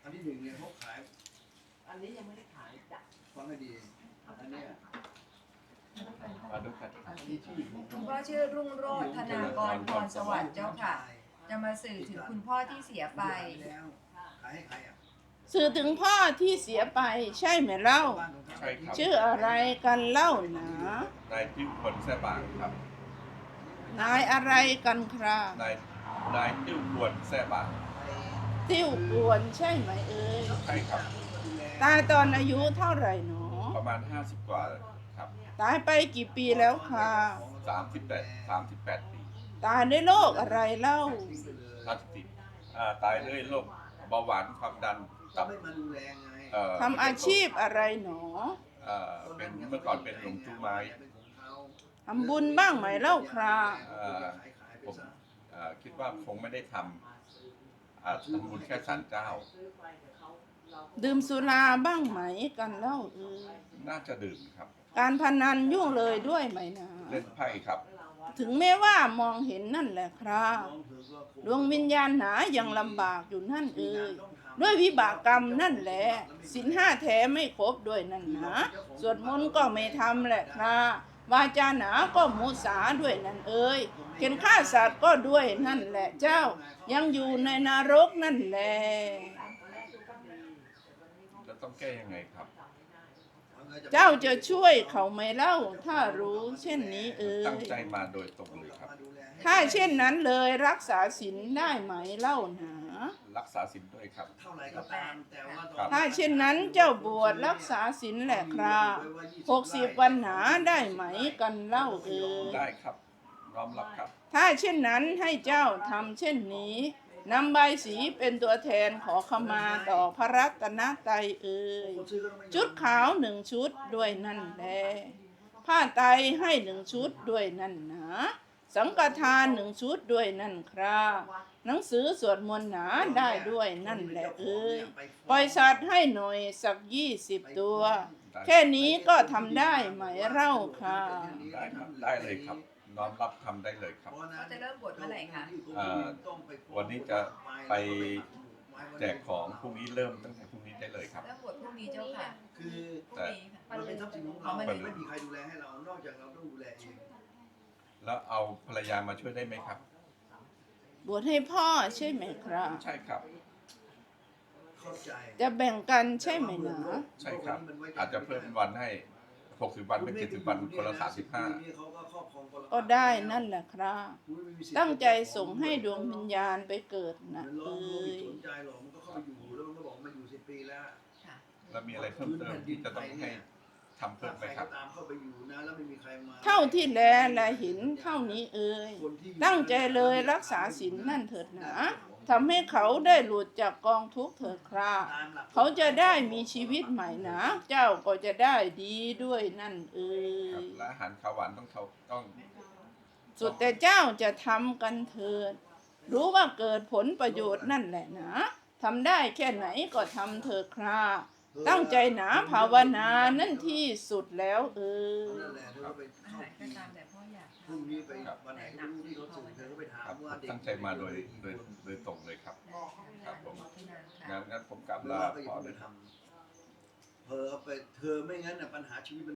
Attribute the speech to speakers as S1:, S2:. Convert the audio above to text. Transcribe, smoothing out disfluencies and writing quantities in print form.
S1: นที่หนึ่งเนี่ยเขาขาย
S2: อันนี้ยังไม่ได้ขายจ้ะ
S1: ฟังให้ดีอันเนี้ย
S3: มาดูกัน
S1: อันที่ชื่อ
S4: คุณพ่อชื่อรุ่งโรจน์ธนากรพรสวัสดิ์เจ้าค่ะ จะมาสื่อถึงคุณพ่อที่เสียไป
S1: แล้วขายให้ใครอ่ะ
S5: สื่อถึงพ่อที่เสียไปใช่ไหมเล่า
S1: บ้านของเขา
S3: ใช่ครับ
S5: ชื่ออะไรกันเล่าหนา
S3: นายจิ้วขวนแซ่บางครับ
S5: นายอะไรกันครับ
S3: นายจิ้วขวนแซ่บาง
S5: ติ้วกวนใช่ไหมเอ่ย
S3: ใช่ครับ
S5: ตายตอนอายุเท่าไหร่หนอ
S3: ประมาณ50กว่าครับ
S5: ตายไปกี่ปีแล้วค่ะ
S3: 38 ปี
S5: ตายด้วยโรคอะไรเล่า
S3: ตายด้วยโรคเบาหวานความดัน
S1: ก็
S3: กับ
S1: ไม่มาดูแลไง
S5: ทำอาชีพอะไรหนอ
S3: เป็นเมื่อก่อนเป็นหลวงจูไม้
S5: ทำบุญบ้างไหมเล่าครับ
S3: ผมคิดว่าคงไม่ได้ทำบุญแค่ศาลเจ้า
S5: ดื่มสุราบ้างไหมกันเล่าเอ่ย
S3: น่าจะดื่มครับ
S5: การพนันยุ่งเลยด้วยไหมนะ
S3: เล่นไพ่ครับ
S5: ถึงแม้ว่ามองเห็นนั่นแหละครับดวงวิญญาณหนายังลำบากอยู่นั่นเอ่ยด้วยวิบากกรรมนั่นแหละศีลห้าแท้ไม่ครบด้วยนั่นนะสวดมนต์ก็ไม่ทำแหละครับวาจาหนาก็มุสาด้วยนั่นเอ่ยเข็นฆ่าสัตว์ก็ด้วยนั่นแหละเจ้ายังอยู่ในนรกนั่นแหละ
S3: จะต้องแก้ยังไงครับ
S5: เจ้าจะช่วยเขาไหมเล่าถ้ารู้เช่นนี้เอ่
S3: ตั้ง
S5: ย
S3: ใจมาโดยตรงเลยครับ
S5: ถ้าเช่นนั้นเลยรักษาศีลได้ไหมเล่าหนา
S3: รักษาศีลด้วยครับ
S1: เท่าไหร่ก็ตามแต่ว่า
S3: ครับ
S5: ถ้าเช่นนั้นเจ้าบวชรักษาศีลแหละครับ60 วันหนาได้ไหมกันเล่าเอ่ย
S3: ได้ครับน้อมรับครับ
S5: ถ้าเช่นนั้นให้เจ้าทำเช่นนี้นำใบสีเป็นตัวแทนขอขมาต่อพระรัตนตรัยเอ่ยชุดขาว1 ชุดด้วยนั่นแลผ้าไตรให้1 ชุดด้วยนั่นหนาสังฆทาน1 ชุดด้วยนั่นครับหนังสือสวดมนต์หนาได้ด้วยนั่นแหละเอ่ยปล่อยสัตว์ให้หน่อยสัก20 ตัว แค่นี้ก็ทำได้ไหมเล่าค่ะ
S3: ได้ครับได้เลยครับน้อมรับทำได้เลยครับ
S4: เขาจะเริ่มบวชเมื่อไหร่คะ
S3: วันนี้จะไปแจกของพรุ่งนี้เริ่มตั้งแต่พรุ่งนี้ได้เลยครับ
S4: เริ่มบวชพรุ่งนี้เจ้าค่ะ
S1: คือ
S4: พรุ่งนี้ค่ะ
S1: มันเป็นทรัพย์สินของเราไม่มีใครดูแลให้เรา นอกจากเราต้องดูแลเอง
S3: แล้วเอาภรรยามาช่วยได้ไหมครับ
S5: บวชให้พ่อใช่ไหมครับ
S3: ใช่ครับ
S1: เข้าใจ
S5: จะแบ่งกันใช่ไหมนะ
S3: ใช่ครับ อาจจะเพิ่มวันให้60 วันเป็น70 วันคนละ35
S5: ก็ได้นั่นแหละครับ ตั้งใจส่งให้ดวงวิญญาณไปเกิดนะ
S1: มัน
S5: เอ้
S1: ไม่
S5: ย
S1: สนใจหรอกมันก็เข้าไปอยู่แล้วมันก็บอกมาอยู่10 ปีแล้ว
S4: ค่ะ
S3: แล้วมีอะไรเพิ่มเติมที่จะต้องให้ทำเพิ่มไหมครับ
S1: ตามเข้าไปอยู่นะแล้วไม่มีใครมา
S5: เท่าที่แลและเห็นเท่านี้เอ่ยตั้งใจเลยรักษาศีลนั่นเถิดหนาทำให้เขาได้หลุดจากกองทุกข์เถิดครับเขาจะได้มีชีวิตใหม่นะเจ้าก็จะได้ดีด้วยนั่นเอ่
S3: ครับ
S5: ย
S3: และอาหารข้าวหวานต้อง
S5: สุดแต่เจ้าจะทำกันเถิด รู้ว่าเกิดผลประโยชน์นั่นแหละนะทำได้แค่ไหนก็ทำเถิดครับตั้งใจหนาภาวนานั่นที่สุดแล้วเอ่ย
S1: นั่นแหละเธอก็ไปเข้า
S4: ก็ตามแต่พ่ออยาก
S1: พรุ่งนี้ไปวันไหนก็รู้ที่เขาสื่อเธอก็ไปถา
S3: ครั
S1: ม
S3: บ
S1: ว่าเด็ก
S3: ตั้งใจมาโดยตรงเลยครับ ครับผม
S4: ค่ะ
S3: งั้นผมกลับ
S1: แล้ว
S3: ลา
S1: ก็อย่า
S3: พ่อ
S1: เพิ่ง
S3: เล
S1: ไป
S3: ย
S1: ทำเธอไปเธอไม่งั้นน่ะปัญหาชีวิต